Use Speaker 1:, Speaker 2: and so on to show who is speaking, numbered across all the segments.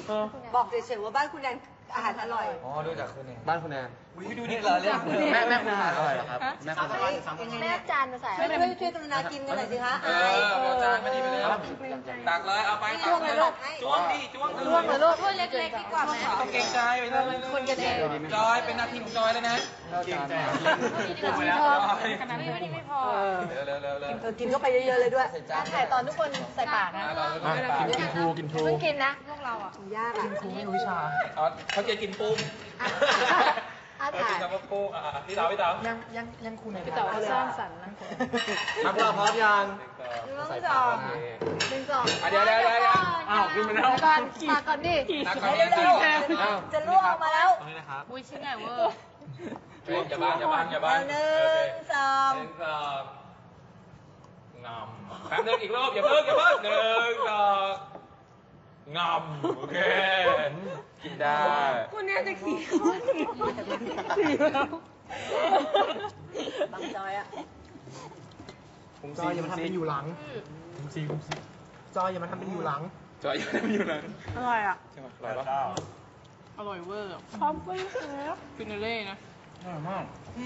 Speaker 1: บอกเฉยๆว่าบ้านคุณแนนอาหารอร่อย
Speaker 2: อ๋อดูจากคุณเอง
Speaker 3: บ้านคุณแนน
Speaker 2: ดูนี่เหรอเรื่อง
Speaker 3: แม่คุณอาหารอร่อยเหรอครับแม่คุณ
Speaker 1: แม่จานมาใส่ช่วยกรุณากินกันหน่อยสิคะ
Speaker 2: เอาจานมาดีไปเลยตักเลยเอาไปจ้วงเลยลูกจ้วงดิจ้วง
Speaker 1: เลยลูกถ้วยเล็กๆดีกว่าไหม
Speaker 2: ต้องเกรงใจไปเลย
Speaker 1: คนกันเอง
Speaker 2: จอยเป็นหน้าที่ของจอยเลยนะเกรงใจ
Speaker 1: ขนาดนี้ไม่พอ
Speaker 2: เร็ว
Speaker 1: กินเข้าไปเยอะๆเลยด้วยถ่ายตอนทุกคนใส่ปากนะ
Speaker 3: กินครู
Speaker 1: เพิ่งกินนะพวกเราอ่ะยากอ่ะ
Speaker 3: ครูไม่รู้วิชา
Speaker 2: เขาจะกินปุ้งเขากินกับปุ้งพี่สาว
Speaker 3: ยังครูไหน
Speaker 1: พี่สาวสร้างสรรค์นะ
Speaker 3: ครับเราพร้อมยัง
Speaker 1: 1 2 1 2
Speaker 2: เดี๋ยว
Speaker 3: อ้าวกินไปแล้ว
Speaker 1: มาก่อนดิจะล่วงมาแล้ว
Speaker 3: อุ้ยชิ้นใหญ่เวอร์
Speaker 2: อย่าบ้าน
Speaker 1: 1 2
Speaker 2: งำแป๊บนึงอีกรอบอย่าเพิ่ง1 2งำโอเคกินได้
Speaker 1: คุณเนี่ยจะขี่แล้วบางจอยอ่ะ
Speaker 3: จอยอย่ามาทำเป็นอยู่หลังจอยอย่ามาทำเป็นอยู่หลัง
Speaker 2: จอยอย่ามาทำเป็นอยู่หลัง
Speaker 1: อร่อยอ่ะ
Speaker 2: ใช่ไหมอร่อยปะ
Speaker 1: อร่อยเวอร์พร้อมไปแล้วฟินาเล่นะ
Speaker 3: อร่อยมาก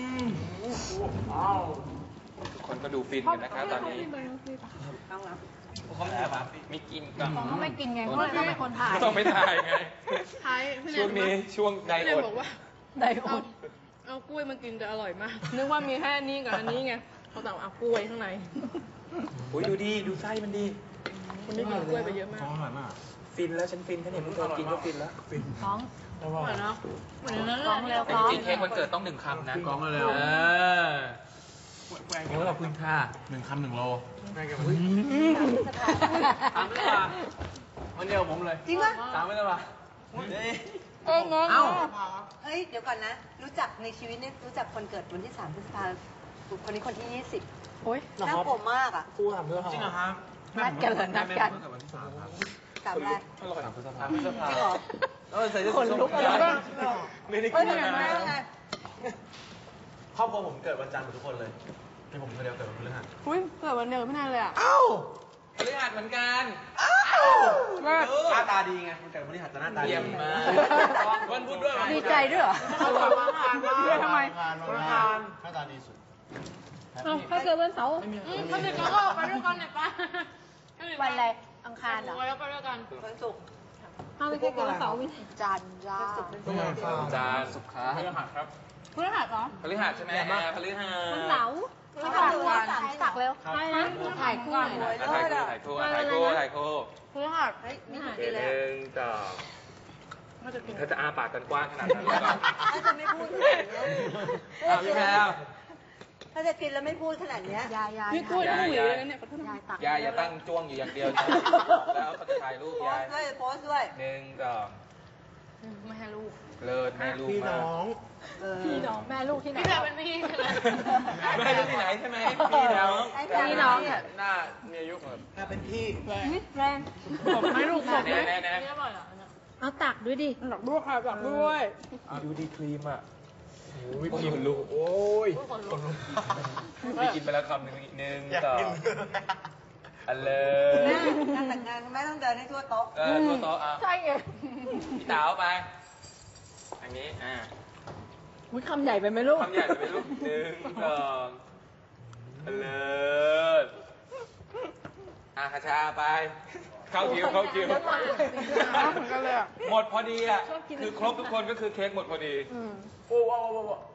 Speaker 2: ทุกคนก็ดูฟินกันนะครับตอนนี้เขาไม่กินกัน
Speaker 1: เขาไม่กินไงเพราะว่าต้องเป็นคนถ่าย
Speaker 2: ต้องไม่ถ่ายไงช่วงนี้ช่วงไดอด
Speaker 1: ไดอดเอากล้วยมากินจะอร่อยมากนึกว่ามีแค่นี้กับอันนี้ไงเขาแต่เอากล้วยข้างใน
Speaker 2: โอ้ยดูไส้มันดี
Speaker 1: คนนี้กินกล้วยไปเยอะมาก
Speaker 3: อร่อยมาก
Speaker 2: ฟินแล้วฉันฟินแค่นี้มึงกินก็ฟินแล้ว
Speaker 1: ท้องเหมือนเนาะเหมือนนั้นท้องแล้ว
Speaker 2: จริงๆเค้กวันเกิดต้อง1 คำนะ
Speaker 3: กองเร็ว
Speaker 2: โอ้ยขอบคุณค่ะ
Speaker 3: 1 คำ 1 โล
Speaker 2: แม่แกบอกถามไม่ได้ป่ะวันเดียวผมเลย
Speaker 1: จริงป่ะ
Speaker 2: ถามไม่ได้ป่ะ
Speaker 1: เฮ้ยเดี๋ยวก่อนนะรู้จักในชีวิตนี่รู้จักคนเกิดวันที่3 พฤษภาคมคนนี้คนที่20โอ้ยน่ากลัวมากอ่ะ
Speaker 3: ครูถามด้วย
Speaker 2: จริงเหรอครับ
Speaker 1: นัดกันเลยนัดกัน
Speaker 3: 3
Speaker 1: แรก
Speaker 3: 3 พฤษภา
Speaker 1: จริงเหรอ
Speaker 2: ใส่เสื้อ
Speaker 1: คนลุกอะไรบ้าง
Speaker 2: ไม่ได้กิน
Speaker 1: นะ
Speaker 3: ครอบครัวผมเกิดวันจันทร์หมดทุกคนเลยที่ผมคนเดียวเกิดวันพฤหัส
Speaker 1: อุ้ยเกิดวันเดียวไม่นานเลยอ่ะ
Speaker 2: พฤหัสเหมือนกัน
Speaker 3: หน้าตาดีไงมันเกิดวันพฤหัสจะหน้าตาดี
Speaker 2: มากวันพุธด้วย
Speaker 1: ดีใจด้วยเหรอทำไม
Speaker 3: หน้าตาดีสุด
Speaker 1: ถ้าเกิดวันเสาร์เขาเด็กก็ไปด้วยกันเนี่ยป้าวันอะไรอังคารเหรอไปด้วยกันวันศุกร์ถ้าไม่ใช่เกิดวันเสาร์จันทร์
Speaker 2: จันทร์ศุกร์พฤหัสครับ
Speaker 1: พฤหัสเหรอ
Speaker 2: พฤหัสใช่ไหมพฤหัส
Speaker 1: วันเสาร์ตักเร็วใช่นะถ่ายคู่
Speaker 2: ถ่ายคู่
Speaker 1: พฤหัสนี่กินเลย
Speaker 2: เธอจะอาปากกันกว้างขนาดนั้นเลยเหรอ
Speaker 1: ถ้าจะไม่พูดขนาดนี้
Speaker 2: พี่แพรว
Speaker 1: ถ้าจะกินแล้วไม่พูดขนาดนี้
Speaker 2: พี่กล้วยต้องหวีเลยนะเนี่ยยายอย่าตั้งจ้วงอยู่อย่างเดียวแล้วเขาจะถ่ายรูปยาย
Speaker 1: โพสด้วย
Speaker 2: 1 2
Speaker 1: ไม่ให้ลูก
Speaker 2: เลิศแม่ลูก
Speaker 3: พี่น้อง
Speaker 1: แม่ลูกที่ไหน
Speaker 2: พี่แพรเป็นพี่แม่ลูกที่ไหนใช่ไหมพี่น้องหน้ามีอายุแบบ
Speaker 3: ถ้าเป็นพี่
Speaker 1: แรงไม่ลูกตบไหมเอาตักด้วยดิ
Speaker 2: ตักด้วยค่ะตักด้วยดูดีครีมอ่ะโอ้ยครีมลูกโอ้ยพี่กินไปแล้วคำหนึ่งต่ออันเลย
Speaker 1: งานแต่งงานไม่ต้องเดินให้ทั่วโต๊ะ
Speaker 2: ทั่วโต๊ะ
Speaker 1: ใช่ไง
Speaker 2: พี่สาวไปอันนี้
Speaker 1: อุ้ยคำใหญ่ไปไหมลูก
Speaker 2: คำใหญ่ไปลูก1 2อันเลยคาชาไปเข้าคิว
Speaker 1: เหมือนกันเลย
Speaker 2: หมดพอดีอ่ะคือครบทุกคนก็คือเค้กหมดพอดี
Speaker 3: โอ้ว้าว